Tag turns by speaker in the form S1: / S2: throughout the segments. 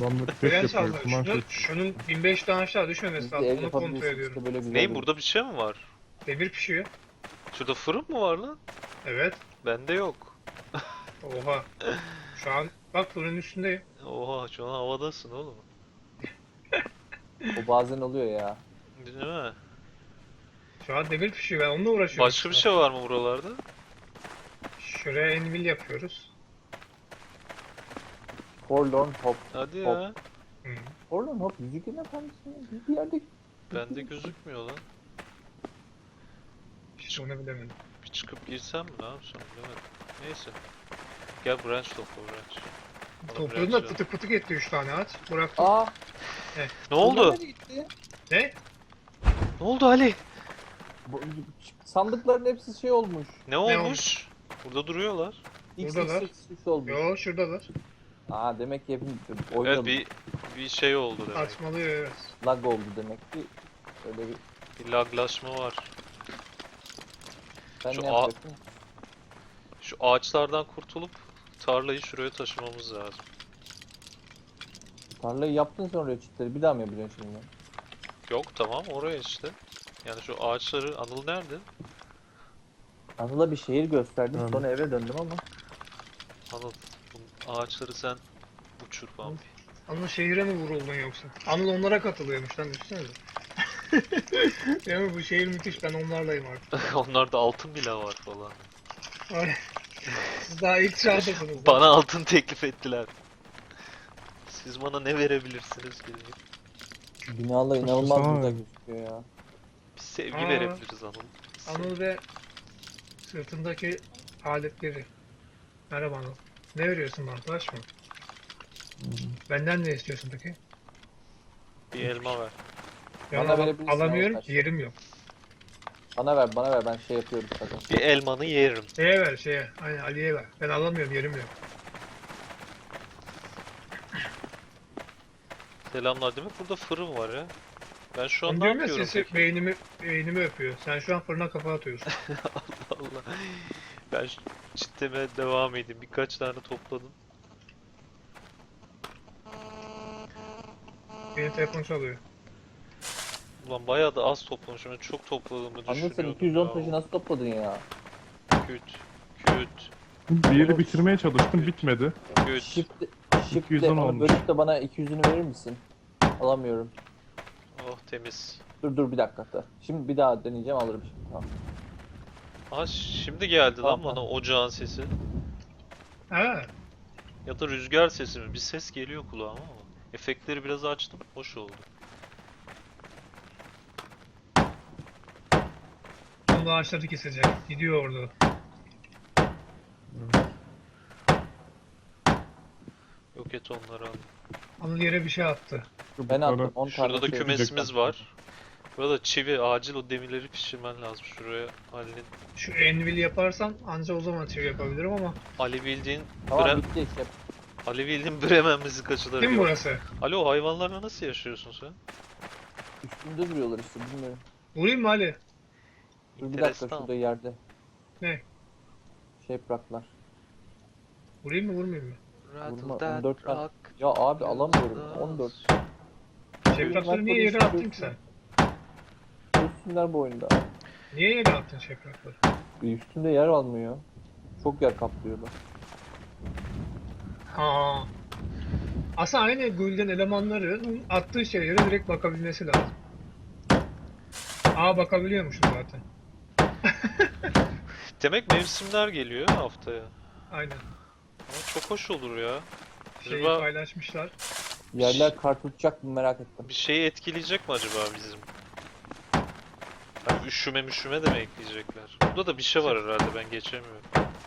S1: Adamlar test
S2: Fren
S1: yapıyor.
S2: salla.
S1: Kuman
S2: Şunun 1005 tane aşağı düşmemesi
S3: Biz de
S2: lazım.
S3: ev
S2: Onu kontrol
S3: yapabilirsiniz
S2: ediyorum.
S3: işte böyle güzel.
S4: Neyim, burada bir şey mi var?
S2: Demir pişiyor.
S4: Şurada fırın mı var lan?
S2: Evet.
S4: Bende yok.
S2: Oha. Şu an bak fırının üstündeyim.
S4: Oha, şu an havadasın oğlum.
S3: O bazen oluyor ya.
S4: Değil mi?
S2: Şu an demir pişiyor. Ben onunla uğraşıyorum.
S4: Başka bir şey var mı buralarda?
S2: Şuraya envil yapıyoruz.
S3: Forlorn Hope.
S4: Hadi ya.
S2: Hı.
S3: Forlorn Hope Yüzüklerin Efendisi mi? Bir yerde
S4: Bende gözükmüyor lan.
S2: Hiç onu bilemedim.
S4: Bir çıkıp girsem mi, ne yapsam bilemedim. Neyse. Gel branch topla, branch. Bana
S2: Topladım
S4: branch
S2: da
S4: ver.
S2: pıtık pıtık etti 3 tane ağaç. Bıraktım.
S3: Aa!
S4: Ne oldu?
S3: bunlar nereye gitti?
S2: Ne?
S4: Ne oldu Ali?
S3: Bu- Sandıkların hepsi şey olmuş.
S4: Ne olmuş? Burada duruyorlar.
S2: Buradalar.
S3: X olmuş.
S2: Yo şuradalar.
S3: Aa demek ki hepimiz
S4: Evet,
S3: oynadık.
S4: bir şey oldu demek.
S2: Atmalıyor evet.
S3: Lag oldu demek ki. Öyle bir...
S4: Bir laglaşma var.
S3: Sen
S4: Şu
S3: ne yapacaksın?
S4: Şu ağaçlardan kurtulup tarlayı şuraya taşımamız lazım.
S3: Tarlayı yaptın sonra çitleri bir daha mı yapacaksın şimdi?
S4: Yok, tamam, oraya işte. Yani şu ağaçları, Anıl nerede?
S3: Anıl'a bir şehir gösterdim
S1: Tamam.
S3: sonra eve döndüm ama.
S4: Anıl, bu ağaçları sen uçur Bambi.
S2: Anıl şehire mi vuruldun yoksa? Anıl onlara katılıyormuş lan düşünsenize. Değil mi bu şehir müthiş, ben onlarlayım artık.
S4: Onlarda altın bile var falan.
S2: Ay, siz daha ilk çağdasınız.
S4: Bana altın teklif ettiler. Siz bana ne verebilirsiniz ki diye.
S3: Binalar inanılmaz
S1: Sana-
S3: güzel gözüküyor ya.
S4: Bir sevgi
S2: Aa.
S4: verebiliriz Anıl.
S2: Anıl ve sırtındaki aletleri. Merhaba Anıl. Ne veriyorsun bana, taş mı? Benden ne istiyorsun peki?
S4: Bir elma ver.
S2: Ya
S3: Bana verebilirsin
S2: alamıyorum
S3: Anıl,
S2: ki, yerim yok.
S3: Bana ver ben şey yapıyorum zaten.
S4: Bir elmanı yerim.
S2: Şeye ver şeye, aynen Ali'ye ver. Ben alamıyorum, yerim yok.
S4: Selamlar, demek burada fırın var ya. Ben şu an
S2: Onu
S4: ne
S2: diyorum ya,
S4: yapıyorum
S2: sesi
S4: peki?
S2: beynimi öpüyor. Sen şu an fırına kafa atıyorsun.
S4: Allah. Ben çitlemeye devam edeyim. Birkaç tane topladım.
S2: Benim telefon çalıyor.
S4: Ulan bayağı da az toplamışım. Ben çok topladığımı
S3: Anıl sen
S4: düşünüyordum
S3: 210
S4: ya.
S3: taşı nasıl topladın ya?
S4: Küt, küt,
S1: Bir yeri bitirmeye çalıştım, bitmedi.
S4: küt.
S3: Shift'le
S1: 210
S3: onu
S1: olmuş.
S3: bölüp de bana 200'ünü verir misin? Alamıyorum.
S4: Oh, temiz.
S3: Dur bir dakika da. Şimdi bir daha deneyeceğim alırım şimdi. Tamam.
S4: Aha, şimdi geldi lan
S3: Tamam.
S4: bana ocağın sesi.
S2: Ha,
S4: Ya da rüzgar sesi mi? Bir ses geliyor kulağıma ama. Efektleri biraz açtım. Hoş oldu.
S2: sonunda ağaçları kesecek. Gidiyor orada.
S4: Yok et onları al.
S2: Anıl yere bir şey attı.
S3: Ben attım 10 tane
S4: Şurada da
S3: şey.
S4: kümesimiz var. Burada çivi, acil o demirleri pişirmen lazım. Şuraya Ali'nin.
S2: Şu envil yaparsam anca o zaman çevir yapabilirim ama.
S4: Ali bildiğin
S3: Tamam bitti işte.
S4: Ali bildiğin Bremen müzikacıları
S2: Değil mi
S4: gibi.
S2: burası?
S4: Ali, o hayvanlarla nasıl yaşıyorsun sen?
S3: Üstünde duruyorlar işte bilmiyorum.
S2: Vurayım mı Ali?
S3: Dur bir dakika
S4: Enteresan.
S3: şurada yerde.
S2: Ne?
S3: Şey bıraklar.
S2: Vurayım mı vurmayayım mı?
S3: Vurma, 14 tane. Ya abi alamıyorum. 14.
S2: Şefrakları niye yere attın ki sen?
S3: Üstünler bu oyunda.
S2: Niye yere attın şefrakları?
S3: Üstünde yer almıyor. Çok yer kaplıyorlar.
S2: Ha. Aslında aynı Gülden elemanların attığı şeylere direkt bakabilmesi lazım. Aa, bakabiliyormuşum zaten.
S4: Demek mevsimler geliyor haftaya.
S2: Aynen.
S4: Ama çok hoş olur ya.
S2: Şeyi
S4: Acaba
S2: paylaşmışlar.
S3: Yerler kar tutacak mı merak ettim.
S4: bir şeyi etkileyecek mi acaba bizim? Hani üşüme de mi ekleyecekler? Burada da bir şey var herhalde, ben geçemiyorum.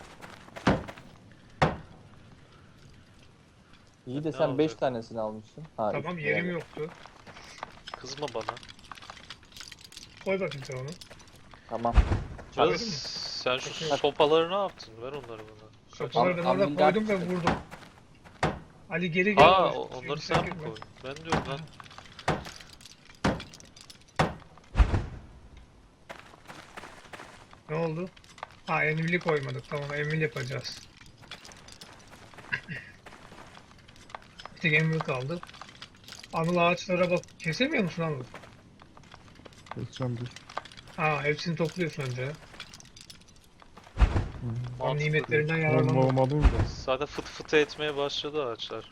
S3: İyi de
S4: Ne
S3: sen 5
S4: olacak?
S3: tanesini almışsın. Ha,
S2: Tamam,
S3: üstünde
S2: yerim
S3: yer.
S2: yoktu.
S4: Kızma bana.
S2: Koy bakayım sen onu.
S3: Tamam.
S4: Biraz
S2: Çağırdın mı?
S4: sen şu
S2: Bakıyorum.
S4: sopaları ne yaptın? Ver onları bana.
S2: Sopaları ben orada
S3: Ambil
S2: koydum ve
S3: dersi.
S2: vurdum. Ali geri gel.
S4: Aa,
S2: Şimdi
S4: onları
S2: sen
S4: sen mi
S2: gitme.
S4: koydun? Ben diyorum lan.
S2: Ne oldu? Ha, envili koymadık. Tamam, envil yapacağız. Bir tek envil kaldı. Anıl ağaçlara bak. Kesemiyor musun Anıl?
S1: Keseceğim dur.
S2: Ha, hepsini topluyorsun önce. Ya. Tam
S4: Mantıklı.
S2: nimetlerinden
S1: Olma
S2: yararlanma.
S1: olmalıyım da.
S4: Zaten fıt fıtı etmeye başladı ağaçlar.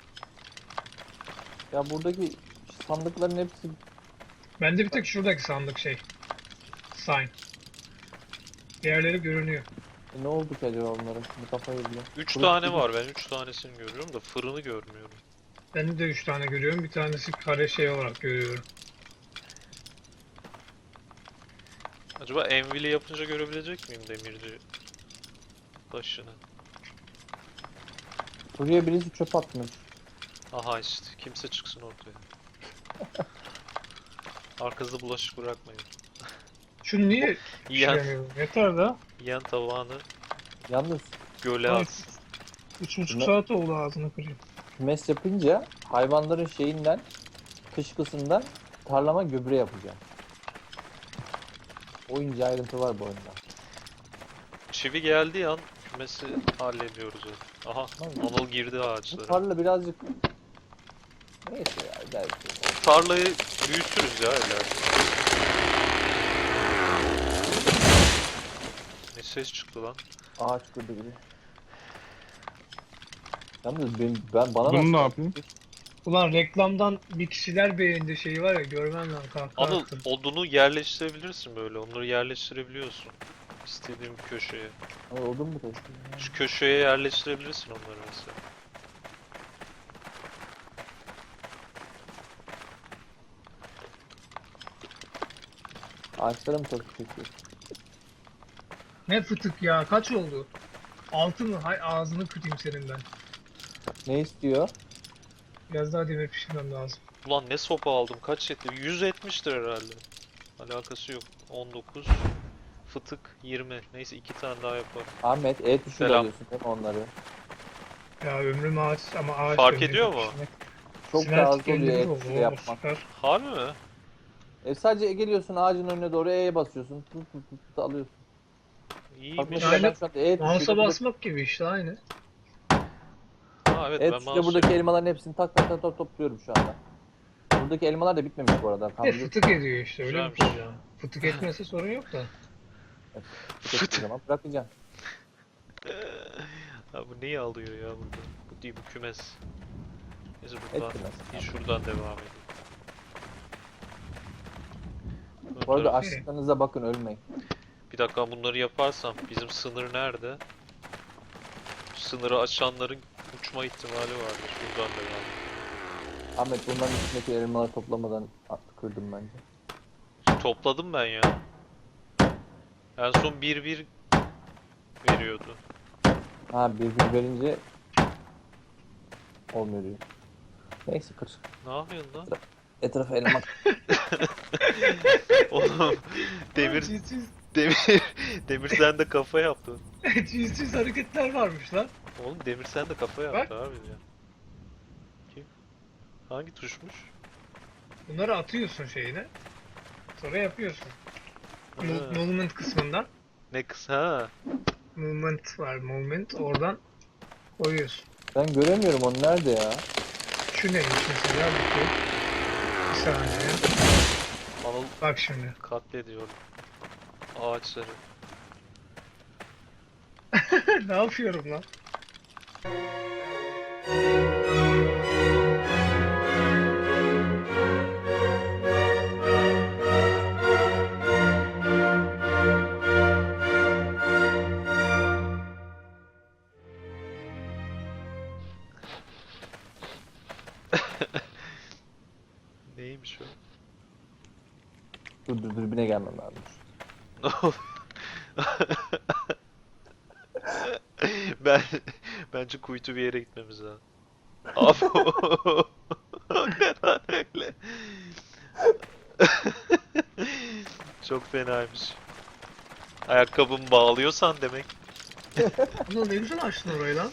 S3: Ya buradaki sandıkların hepsi
S2: Bende bir tek şuradaki sandık şey. Sign. Diğerleri görünüyor.
S3: ne oldu ki acaba onların? Bir kafayı bile.
S4: 3
S3: Burası
S4: tane
S3: gibi.
S4: var, ben 3 tanesini görüyorum da fırını görmüyorum.
S2: Bende de 3 tane görüyorum. Bir tanesi kare şey olarak görüyorum.
S4: Acaba envili yapınca görebilecek miyim demirci başını?
S3: Buraya birisi çöp atmış.
S4: Aha işte, kimse çıksın ortaya. Arkasında bulaşık bırakmayın.
S2: Şunu niye
S4: Yiyen,
S2: pişiremiyorum? Yeter da.
S4: yiyen tavağını
S3: Yalnız
S4: göle
S2: Ay.
S4: at.
S2: 3,5
S3: Ne?
S2: saat oldu ağzını kırayım.
S3: kümes yapınca hayvanların şeyinden, kışkısından tarlama gübre yapacağım. O ince ayrıntı var bu oyunda.
S4: Çivi geldiği an kümesi hallediyoruz. Aha,
S3: Tamam.
S4: Anıl girdi
S3: Bu
S4: ağaçlara.
S3: tarla birazcık... Neyse ya belki.
S4: Tarlayı büyütürüz ya ileride. Ne ses çıktı lan?
S3: Ağaç kırdı gibi. Yalnız ben bana
S1: Bunu
S3: nasıl-
S1: ne yapayım?
S2: Ulan reklamdan bir kişiler beğendi şeyi var ya, görmem lazım kahkaha
S4: Anıl,
S2: attım.
S4: odunu yerleştirebilirsin böyle. Onları yerleştirebiliyorsun. İstediğin bir köşeye.
S3: Ay, odun mu taşıyor?
S4: Şu köşeye yerleştirebilirsin onları mesela.
S3: Ağaçlara mı çok çekiyor?
S2: Ne fıtık ya, kaç oldu? 6 mı? Hay ağzını kırayım senin ben.
S3: Ne istiyor?
S2: Biraz daha demir pişirmem lazım.
S4: Ulan ne sopa aldım, kaç etti? 170'tir herhalde. Alakası yok. 19. Fıtık 20. Neyse 2 tane daha yaparım.
S3: Ahmet E tuşuyla
S4: Selam.
S3: alıyorsun değil mi onları?
S2: Ya ömrüm ağaç ama ağaç
S4: Fark
S2: ömrüm
S4: ediyor mu?
S2: pişirmek.
S3: Çok
S2: Sinerjik
S3: daha az oluyor
S2: elleri
S3: E
S2: oldu,
S3: tuşuyla
S2: oo,
S3: yapmak.
S2: süper.
S4: Harbi mi?
S3: Sadece geliyorsun ağacın önüne doğru E'ye basıyorsun. Tut tut tut tut alıyorsun. Bak
S4: İyiymiş.
S3: mesela
S2: Aynen.
S3: ben şu anda E
S2: Mouse'a
S3: tuşuyla
S2: basmak gibi işte aynı.
S4: Ha evet,
S3: E
S4: ben
S3: tuşuyla
S4: mouse
S3: buradaki elmaların hepsini tak tak tak tak topluyorum şu anda. Buradaki elmalar da bitmemiş bu arada.
S2: Bir de
S3: Kandırıyorsun.
S2: fıtık ediyor işte, öyle bir
S4: Güzelmiş.
S2: problem. Fıtık etmese sorun yok da.
S3: Fıtık zaman bırakacaksın.
S4: Ha, bu neyi alıyor ya burada? Bu değil, bu kümes. Neyse buradan,
S3: Etmez.
S4: bir şuradan devam edelim. Ön
S3: Bu arada
S4: taraf-
S3: açlıklarınıza bakın ölmeyin.
S4: Bir dakika, bunları yaparsam bizim sınır nerede? Sınırı aşanların uçma ihtimali vardır. Şuradan devam edelim.
S3: Ahmet bunların üstündeki elmaları toplamadan kırdım bence.
S4: Topladım ben ya. En son 1-1 veriyordu.
S3: Ha bir verince olmuyor diyor. Neyse kır.
S4: Ne yapıyorsun lan?
S3: Etrafa elma.
S4: Oğlum Demir Demir Demir sen de kafa yaptın.
S2: Cinsiz hareketler varmış lan.
S4: Oğlum Demir sen de kafa yaptı abi ya. Kim? Hangi tuşmuş?
S2: Bunları atıyorsun şeyine. Sonra yapıyorsun.
S4: Ha.
S2: Movement kısmından.
S4: Ne kısa ha?
S2: Movement var, movement. Oradan koyuyorsun.
S3: Ben göremiyorum onu nerede ya?
S2: Şu neymiş mesela? Bir saniye.
S4: Anıl
S2: Bak şimdi.
S4: katlediyor ağaçları.
S2: Ne yapıyorum lan?
S4: Neymiş o?
S3: Dur dürbüne gelmem lazım.
S4: Ne oldu? Ben bence kuytu bir yere gitmemiz lazım. Abi ne lan öyle? Çok fenaymış. Ayakkabımı bağlıyorsan demek.
S2: Ulan ne güzel açtın orayı lan.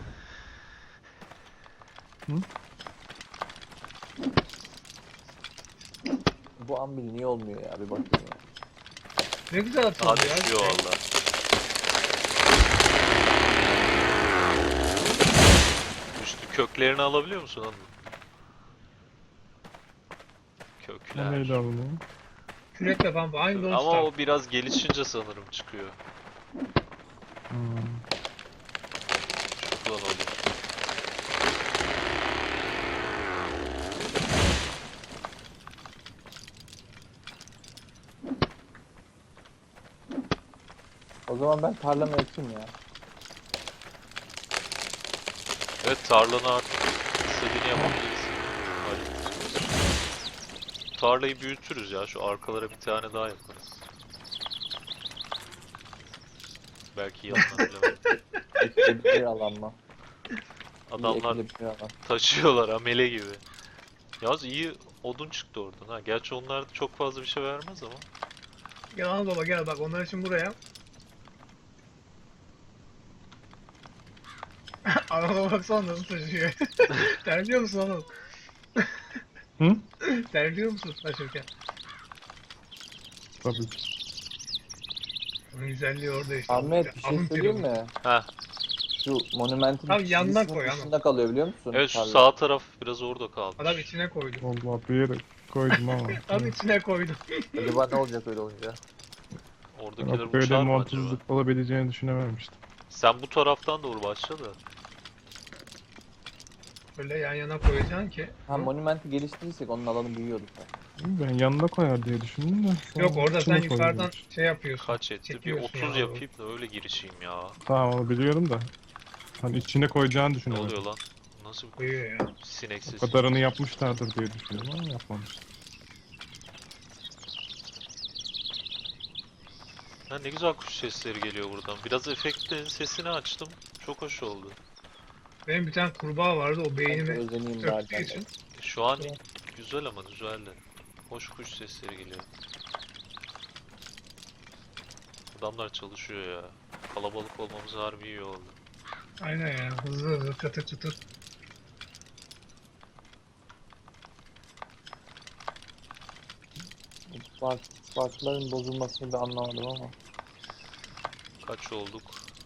S3: Bu ambil niye olmuyor ya bir bakayım ya.
S2: Ne güzel
S4: Daha
S2: atıldı ya.
S4: düşüyor valla. Düştü. Köklerini alabiliyor musun onu?
S1: O neyle alınıyor?
S2: Kürekle pump aynı Don't
S4: Ama
S2: Starve.
S4: o biraz gelişince sanırım çıkıyor.
S1: Hmm.
S4: Şuradan alayım.
S3: O zaman ben tarlamı ekeyim ya.
S4: Evet, tarlanı artık istediğini yapabilirsin. Hadi. Tarlayı büyütürüz ya. Şu arkalara bir tane daha yaparız. Belki yanına bilemem.
S3: Ekili bir alan mı?
S4: Adamlar
S3: İyi ekili bir alan.
S4: taşıyorlar amele gibi. Yalnız iyi odun çıktı oradan ha. Gerçi onlar çok fazla bir şey vermez ama.
S2: Gel Anadolu gel bak onlar için buraya. Anadolu baksana nasıl taşıyor. Terliyor musun Anadolu?
S1: Hı?
S2: Terliyor musun taşırken?
S1: Tabii ki.
S2: Onun güzelliği orada işte.
S3: Ahmet bir şey
S2: Alın
S3: söyleyeyim
S2: teri.
S3: mi?
S4: Heh.
S3: Şu monumentin
S2: Abi yanına
S3: çizgisinin
S2: koy ama.
S3: dışında kalıyor biliyor musun?
S4: Evet, şu
S3: tarla?
S4: sağ taraf biraz orada kalmış.
S2: Adam içine koydu.
S1: Vallahi bir yere koydum ama.
S2: Adam içine koydu.
S3: Acaba ne olacak öyle olunca?
S4: Oradakiler
S1: Yok, böyle
S4: uçar mı acaba?
S1: montsuzluk olabileceğini düşünememiştim.
S4: Sen bu taraftan doğru başla da.
S2: Böyle yan yana koyacaksın ki.
S3: Ha monumenti geliştirirsek onun alanı büyüyordu.
S1: Ben yanına koyar diye düşündüm de. sonra
S2: Yok orada sen
S1: içine
S2: yukarıdan
S1: koyuyormuş.
S2: şey yapıyorsun.
S4: Kaç etti? Bir
S2: çekiyorsun
S4: 30
S2: ya.
S4: yapayım da öyle girişeyim ya.
S1: Tamam onu biliyorum da. Hani içine koyacağını
S4: Ne
S1: düşünüyorum.
S4: oluyor lan? Nasıl bir
S2: Koyuyor ya.
S4: sinek
S1: O
S4: sesi?
S1: kadarını yapmışlardır diye düşünüyorum ama yapmamışlar.
S4: Ha, ne güzel kuş sesleri geliyor buradan. Biraz efektin sesini açtım. Çok hoş oldu.
S2: Benim bir tane kurbağa vardı o
S3: Ben
S2: beynimi
S3: özeneyim bari.
S2: öptüğü için.
S4: Şu an güzel ama güzeldi. Hoş kuş sesleri geliyor. Adamlar çalışıyor ya. Kalabalık olmamız harbi iyi oldu.
S2: Aynen ya hızlı hızlı çatır çatır.
S3: Farkların bozulmasını da anlamadım ama.
S4: Kaç olduk?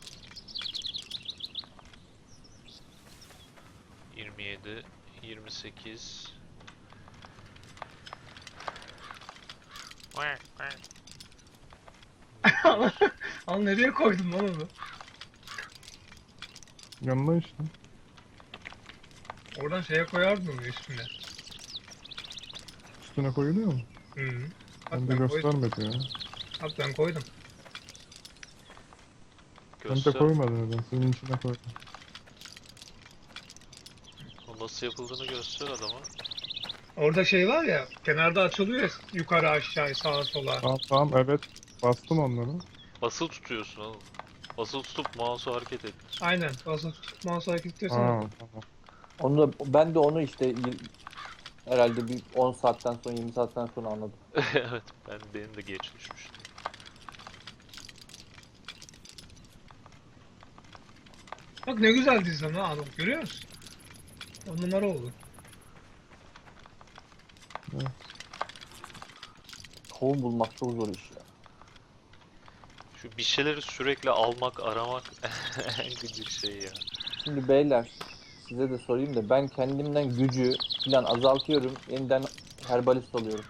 S4: 27, 28.
S2: Al nereye koydun lan onu?
S1: Yanına işte.
S2: Oradan şeye koyardın onu üstüne.
S1: Üstüne koyuluyor mu?
S2: Hı -hı.
S1: Ben
S2: Bak
S1: de
S2: ben koydum.
S1: göstermedi ya.
S2: Bak ben koydum.
S1: Ben de
S4: Göster.
S1: koymadım neden. Senin içine koydum.
S4: O nasıl yapıldığını göster adama.
S2: Orada şey var ya kenarda açılıyor ya yukarı aşağı sağa sola.
S1: Tamam tamam evet. Bastım onları.
S4: Basılı tutuyorsun oğlum. Basılı tutup mouse'u hareket et.
S2: Aynen. Basılı tutup mouse hareket ediyorsan
S1: Aa tamam.
S3: Onu da, ben de onu işte herhalde bir 10 saatten sonra 20 saatten sonra anladım.
S4: Evet, benim de geç düşmüştü.
S2: bak ne güzel dizdim lan adam görüyor musun? 10 numara oldu.
S3: Tohum bulmak çok zor iş ya.
S4: Şu bir şeyleri sürekli almak, aramak en gıcık şey ya.
S3: Şimdi beyler size de sorayım da ben kendimden gücü falan azaltıyorum. Yeniden herbalist oluyorum.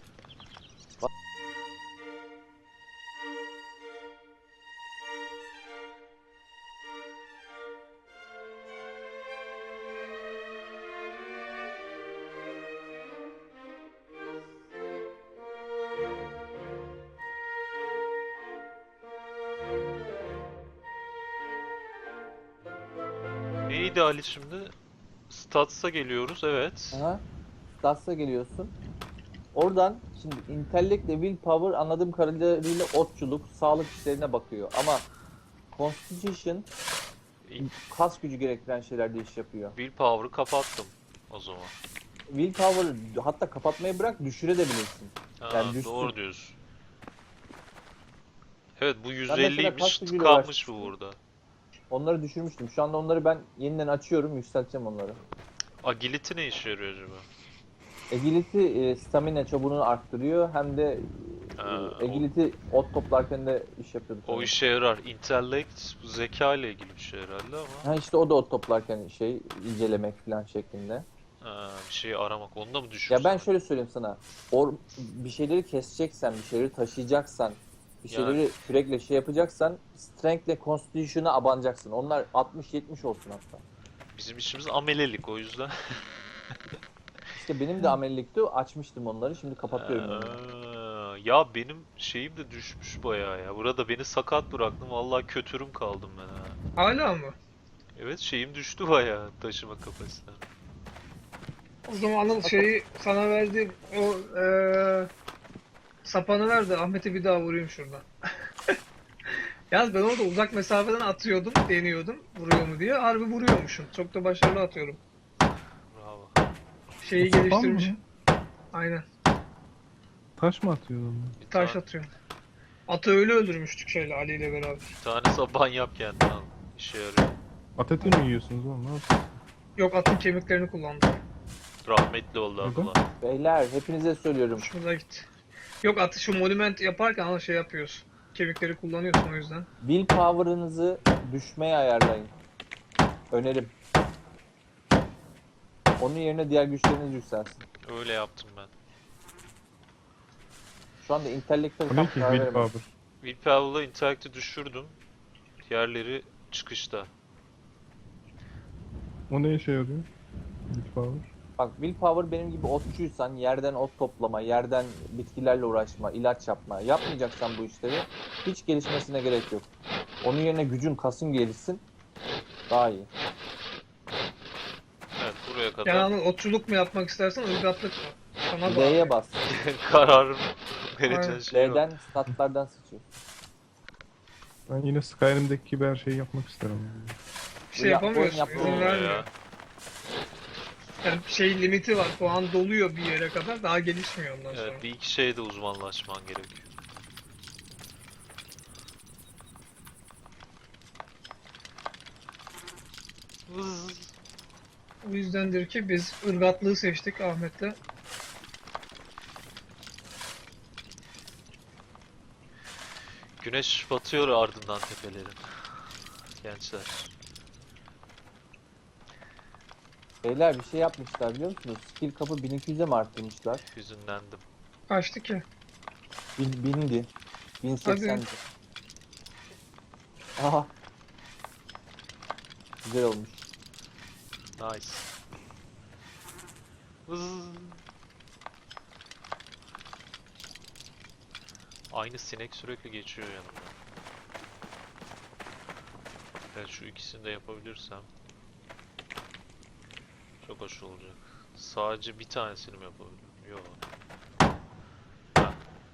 S4: Neydi Ali şimdi? Stats'a geliyoruz, evet.
S3: Aha. Stats'a geliyorsun. Oradan şimdi intellect ve willpower anladığım kadarıyla otçuluk, sağlık işlerine bakıyor. Ama constitution kas gücü gerektiren şeylerde iş yapıyor.
S4: Willpower'ı kapattım o zaman.
S3: Willpower hatta kapatmayı bırak düşürebilirsin.
S4: Ha,
S3: Yani düşsün.
S4: doğru diyorsun. Evet, bu
S3: mesela
S4: 150'ymiş,
S3: kas gücüyle
S4: tıkanmış
S3: uğraşmıştım.
S4: bu burada.
S3: Onları düşürmüştüm. Şu anda onları ben yeniden açıyorum, yükselteceğim onları.
S4: Agility ne işe yarıyor acaba?
S3: Agility stamina çabuğunu arttırıyor. Hem de
S4: Ha,
S3: agility ot toplarken de iş yapıyordu.
S4: O
S3: sanırım.
S4: işe yarar. Intellect, bu zeka ile ilgili bir şey herhalde ama.
S3: Ha işte o da ot toplarken şey incelemek falan şeklinde.
S4: Ha, bir şeyi aramak. Onu da mı
S3: Ya
S4: düşürsün?
S3: ben şöyle söyleyeyim sana. Bir şeyleri keseceksen, bir şeyleri taşıyacaksan, bir
S4: Yani.
S3: şeyleri kürekle şey yapacaksan Strength'le Constitution'a abanacaksın. Onlar 60-70 olsun hatta.
S4: Bizim işimiz amelelik o yüzden.
S3: İşte benim de amelilikti. Açmıştım onları. Şimdi kapatıyorum onları.
S4: Ya benim şeyim de düşmüş bayağı ya. Burada beni sakat bıraktın. Vallahi kötürüm kaldım ben ha.
S2: Hala mı?
S4: Evet şeyim düştü bayağı taşıma kapasitem.
S2: O zaman Anıl şeyi sana verdiğim o sapanı ver de Ahmet'e bir daha vurayım şuradan. Yalnız ben orada uzak mesafeden atıyordum, deniyordum vuruyor mu diye. Harbi vuruyormuşum. Çok da başarılı atıyorum.
S4: Bravo.
S2: Şeyi
S1: O sapan mı?
S2: geliştirmiş. Aynen.
S1: Taş mı atıyordun?
S4: Bir
S2: Taş
S4: tane,
S2: atıyorum. Atı öyle öldürmüştük şeyle Ali ile beraber.
S4: bir tane saban yap kendine al. İşe yarıyor.
S1: At eti mi yiyorsunuz oğlum? Ne yapıyorsunuz?
S2: Yok atın kemiklerini kullandım.
S4: Rahmetli oldu
S1: Neden?
S4: abla.
S3: Beyler hepinize söylüyorum.
S2: Hoşumuza gitti. Yok atı şu monument yaparken ama şey yapıyorsun. Kemikleri kullanıyorsun o yüzden.
S3: Willpower'ınızı düşmeye ayarlayın. Önerim. Onun yerine diğer güçleriniz yükselsin.
S4: Öyle yaptım ben.
S3: Şu anda intellekte
S1: O
S3: tam
S1: ne ki
S3: karar veremedim.
S1: willpower?
S4: Willpower'la intellect'i düşürdüm. Diğerleri çıkışta.
S1: O ne işe yarıyor? Willpower.
S3: Bak willpower benim gibi otçuysan yerden ot toplama, yerden bitkilerle uğraşma, ilaç yapma. Yapmayacaksan bu işleri hiç gelişmesine gerek yok. Onun yerine gücün, kasın gelişsin. Daha iyi.
S4: Evet buraya kadar
S2: Yani Anıl otçuluk mu yapmak istersen ırgatlık mı? Sana bağlı.
S3: D'ye bas.
S4: kararın vereceğin
S2: Aynen.
S4: şey yok.
S3: D'den statlardan sıçıyor.
S1: Ben yine Skyrim'deki gibi her şeyi yapmak isterim.
S2: Bir şey yapamıyorsun.
S3: Oyun
S2: İzin
S4: Olmuyor
S2: vermiyor.
S4: ya.
S2: Yani şey limiti var. Puan doluyor bir yere kadar. Daha gelişmiyor ondan sonra.
S4: Evet bir iki şeyde uzmanlaşman gerekiyor. Vız.
S2: O yüzdendir ki biz ırgatlığı seçtik Ahmet'le.
S4: Güneş batıyor ardından tepelerin. Gençler.
S3: Beyler bir şey yapmışlar biliyor musunuz? Skill kapı 1200'e mi arttırmışlar?
S4: Hüzünlendim.
S2: Kaçtı ki?
S3: Bindi. 1080'di. Aha. Güzel olmuş.
S4: Nice. Vız. Aynı sinek sürekli geçiyor yanımda. Evet şu ikisini de yapabilirsem çok hoş olacak. Sadece bir tanesini mi yapabilirim? Yok. Ha.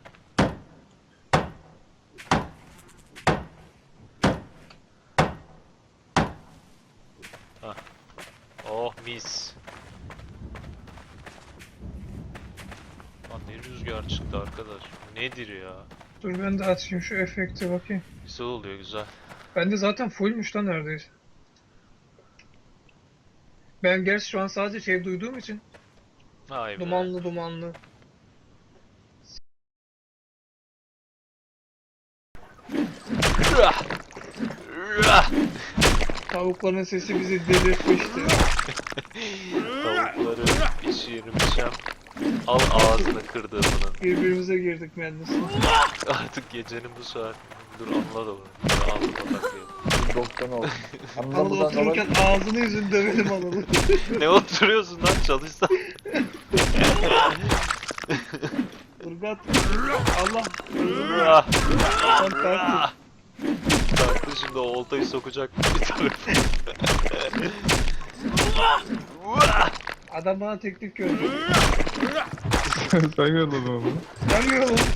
S4: Hah. Oh mis. Lan ne rüzgar çıktı arkadaş. Nedir ya?
S2: Dur ben de açayım şu efekti bakayım.
S4: Güzel oluyor güzel.
S2: Bende zaten fullmüş lan neredeyse. Ben gerçi şu an sadece şey duyduğum için
S4: Vay be.
S2: dumanlı dumanlı. Tavukların sesi bizi delirtmişti.
S4: Tavukları pişirmişem. Al ağzını kırdığımının.
S2: Birbirimize girdik mühendisle.
S4: Artık gecenin bu saat. Dur anla da bunu. Ağzıma takayım.
S3: 1090 oldu. Anla
S2: Anıl
S3: buradan
S2: otururken ağzını yüzünü dövelim Anıl'ı.
S4: Ne oturuyorsun lan çalışsan?
S2: Irgat. Allah.
S4: Ah,
S2: Sen kalktın.
S4: Kalktı şimdi o oltayı sokacak bir tarafı.
S2: Adam bana teknik gördü.
S1: Sen yolladın onu.
S2: Ben mi oğlum?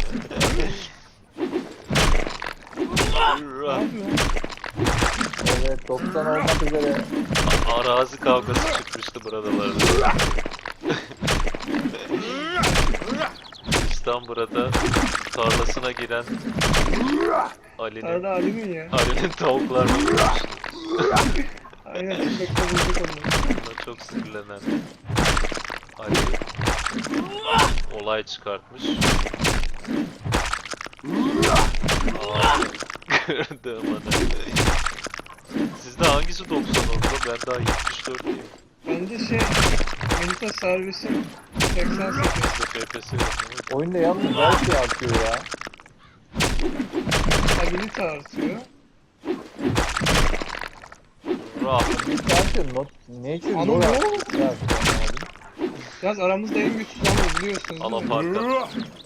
S2: Ne yapıyorsun?
S3: Evet 90 olmak üzere.
S4: Arazi kavgası çıkmıştı buralarda. İstanbul'da tarlasına giren Ali'nin
S2: Arada Ali'nin ya.
S4: tavuklarını vurmuş.
S2: Aynen tüfekle vurduk onları.
S4: Buna çok sinirlenen Ali olay çıkartmış. Kırdı bana. Sizde hangisi 90 oldu? Ben daha 74'lüyüm.
S2: Bende şey Milita servisim 88.
S4: FPS yapıyor.
S3: Oyunda yalnız her şey artıyor ya.
S2: Ability artıyor.
S4: Rah.
S3: Ne artıyor? Nature
S2: Anam
S3: lore
S2: ne
S3: artıyor.
S2: oldu?
S3: Ne artıyor anlamadım.
S2: Yalnız aramızda en güçsüz ama biliyorsunuz
S4: Al
S2: değil mi?
S4: aparkat.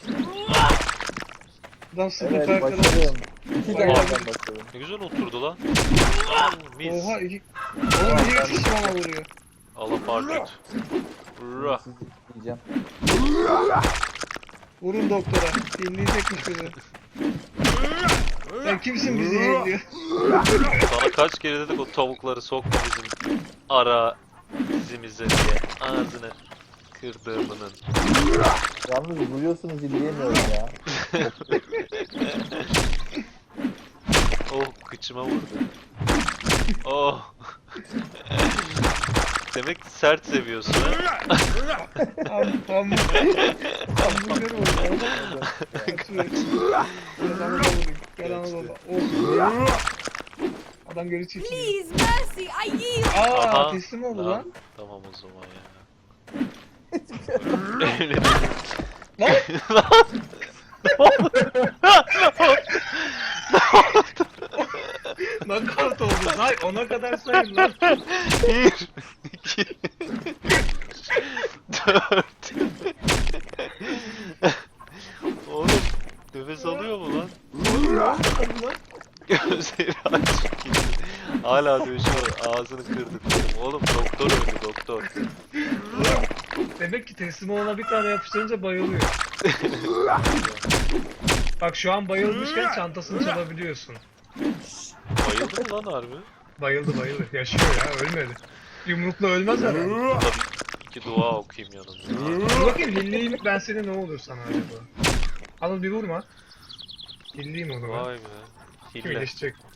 S2: Adam sıfır
S3: Evet
S2: farkına.
S3: başarıyorum. İki
S2: Oha.
S3: tane başarıyorum.
S4: Ne güzel oturdu lan. Mis.
S2: Oha iki... Oğlum niye kişi bana vuruyor?
S4: Al aparkat. Rah.
S3: Sizi diyeceğim.
S2: Vurun doktora. Dinleyecekmiş bizi. Sen kimsin bizi yeniliyor?
S4: Sana kaç kere dedik o tavukları sokma bizim ara dizimize diye. Ağzını kırdığımının.
S3: Yalnız vuruyorsunuz izleyemiyorum ya.
S4: Oh kıçıma vurdu. Oh. Demek sert seviyorsun ha?
S2: Hamburger oldu. Adamı da vurayım. Gel Anadolu. Olsun. Adam geri çekiliyor.
S5: Please, mercy, I yield.
S2: Aa
S4: Aha.
S2: teslim oldu
S4: Lan.
S2: lan.
S4: Tamam o zaman ya.
S2: Knockout oldu. Say ona kadar sayın lan.
S4: 1, 2, 4. Oğlum nefes alıyor mu lan? Gözleri açık gitti. Hala dövüşüyor. Ağzını kırdı. Oğlum doktor öldü doktor.
S2: Demek ki teslim olana bir tane yapıştırınca bayılıyor. Bak şu an bayılmışken çantasını çalabiliyorsun.
S4: Bayıldı mı lan harbi?
S2: Bayıldı bayıldı. Yaşıyor ya ölmedi. Yumrukla ölmez herhalde.
S4: Tabii iki dua okuyayım yanında.
S2: Dur bakayım hilliyim ben seni ne olur sana acaba. Anıl bir vurma. Hilliyim o zaman.
S4: Vay be.
S2: Kim
S4: Hille.
S2: iyileşecek?